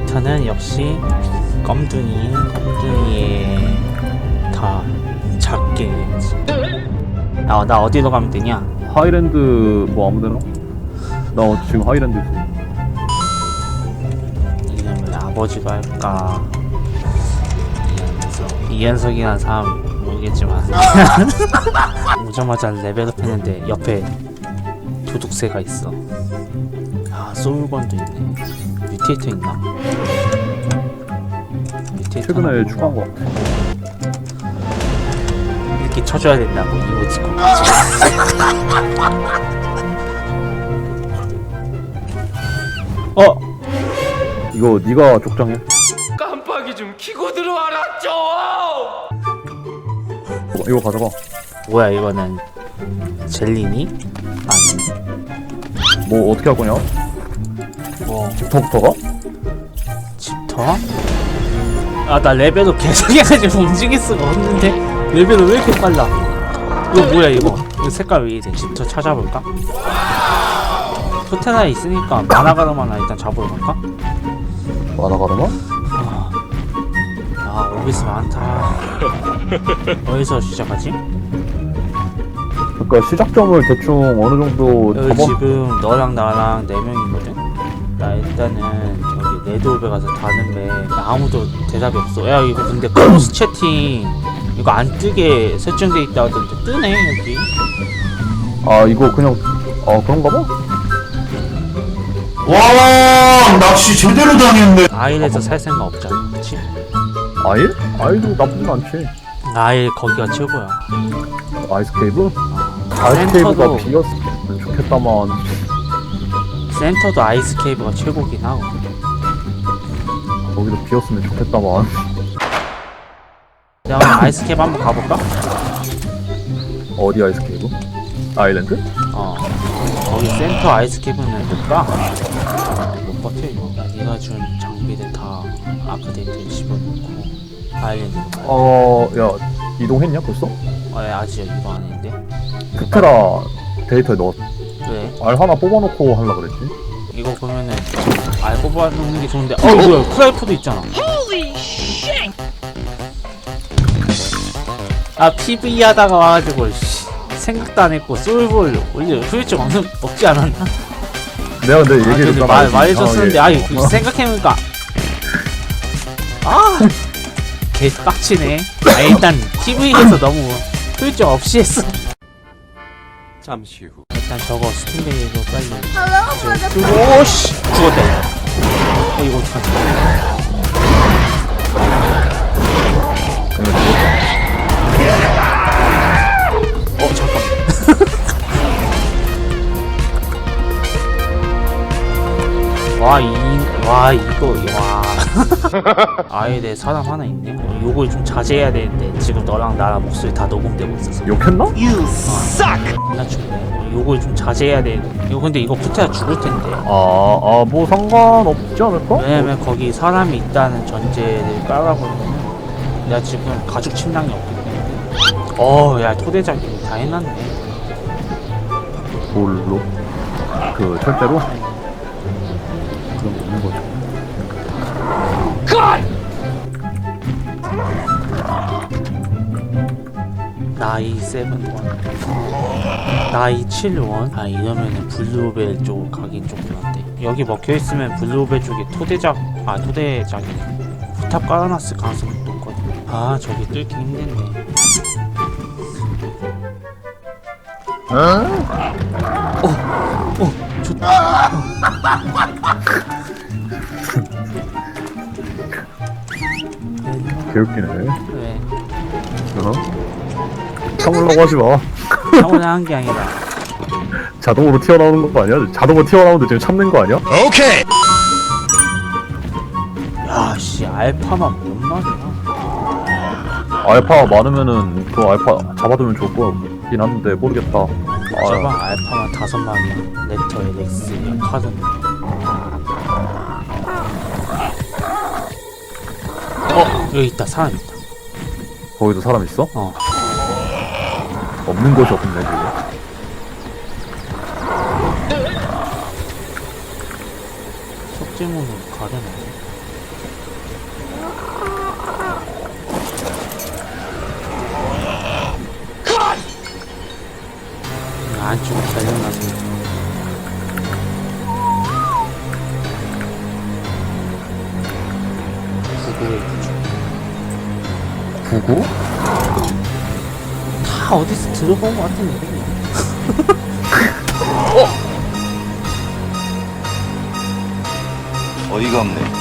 캐릭터는 역시 껌둥이의 다 작게. 나 어디로 가면 되냐? 하이랜드 뭐 아무데나? 나 지금 하이랜드 있어. 이름을 아버지로 할까? 이현석이라는 사람 모르겠지만 오자마자 레벨업 했는데 옆에 도둑새가 있어. 아, 소울건도 있네. 뮤테이터 있나? 뮤테이터 최근에 추가한 거 같아. 이렇게 쳐줘야 된다고 이모티콘. 이거 네가 족장해. 깜빡이 좀 켜고 들어와라 좀! 이거 가져가. 뭐야 이거는 젤리니? 아니 뭐 어떻게 할 거냐? 뭐 집터부터가? 집터? 아, 나 레벨업 계속 해가지고 움직일 수가 없는데 레벨업 왜 이렇게 빨라? 이거 뭐야 이거 색깔 왜 이래? 집터 찾아볼까? 토테나에 있으니까 마나가르마나 일단 잡으러 갈까? 마나가르마? 아, 오비스 많다. 어디서 시작하지? 그러니까 시작점을 대충 어느 정도 여기 잡아. 지금 너랑 나랑 4명이거든? 나 일단은 저기 레드오베 가서 다는데 아무도 대답이 없어. 야, 이거 근데 크로스 채팅 이거 안 뜨게 설정돼 있다 하던데 뜨네 여기. 아 이거 그냥 그런가 봐? 와, 낚시 제대로 당했네. 아일에서 살 생각 없잖아, 그치? 아일? 아일도 나쁘진 않지. 아일 거기가 최고야. 아이스 케이브? 아이스 케이브가 센터도 비었으면 좋겠다만. 센터도 아이스 케이브가 최고긴 하고. 거기도 비었으면 좋겠다만. 내가 오늘 아이스 케이브 한번 가볼까? 어디 아이스 케이브? 아일랜드? 거기 센터 아이스 케이브는 볼까? 못 버텨 이거. 야, 네가 준 장비들 다 아크데이트에 집어넣고 아일랜드. 야 이동했냐 벌써? 아직 이거 안 했는데? 스테라 데이터에 넣었어. 왜? 알 하나 뽑아놓고 하려 그랬지. 이거 보면은 알 뽑아놓는 게 좋은데 뭐야 프라이프도 있잖아. 아, PV 하다가 와가지고 생각도 안 했고 솔볼 원래 후유증 없지 않았나? 내가 근데 얘기해줬잖아. 말해줬었는데 생각해보니까 개 빡치네. 일단 TV에서 너무 후유증 없이 했어. 잠시 후 일단 저거 스팀베이로 빨리 그리고 오씨 죽었다. 이거 어떡하지? 잠깐. 아예 내 사람 하나 있네. 요걸 좀 자제해야 되는데 지금 너랑 나랑 목소리 다 녹음되고 있어서. 욕했나? 나 죽네. 요걸 좀 자제해야 되는데. 이거 근데 이거 붙어야 죽을 텐데. 뭐 상관없지 않을까? 왜냐면 거기 사람이 있다는 전제를 깔아버리면 내가 지금 가죽 침낭이 없기 때문에. 야, 토대장이 다 해놨네. 뭘로? 그 철제로? 그런 거 있는 거죠. 나이 7원, 나이 7원. 이러면은 블루벨 쪽 가긴 좀 그런데 여기 먹혀있으면 블루벨 쪽에 토대장이네. 포탑 깔아놨을 가능성이 높거든. 저기 뚫기 힘든데. 좋다. 개웃기네. 왜? 참으려고 하지 마. 차원에 한 게 아니라 자동으로 튀어나오는 거 아니야? 자동으로 튀어나오는데 지금 참는 거 아니야? 오케이. 야씨 알파만 뭔 말이야. 알파 많으면은 그 알파 잡아두면 좋을 거긴 한데 모르겠다. 저방 알파만 5마리야. 렉터, LX, 카든. 여기 있다. 사람 있다. 거기도 사람 있어? 없는 곳이 없네 지금. 석재문은 가려나? 안쪽으로 달려나서 구구의 구조. 구구? 다 어디서 들어본 것 같은데. 어이가 없네.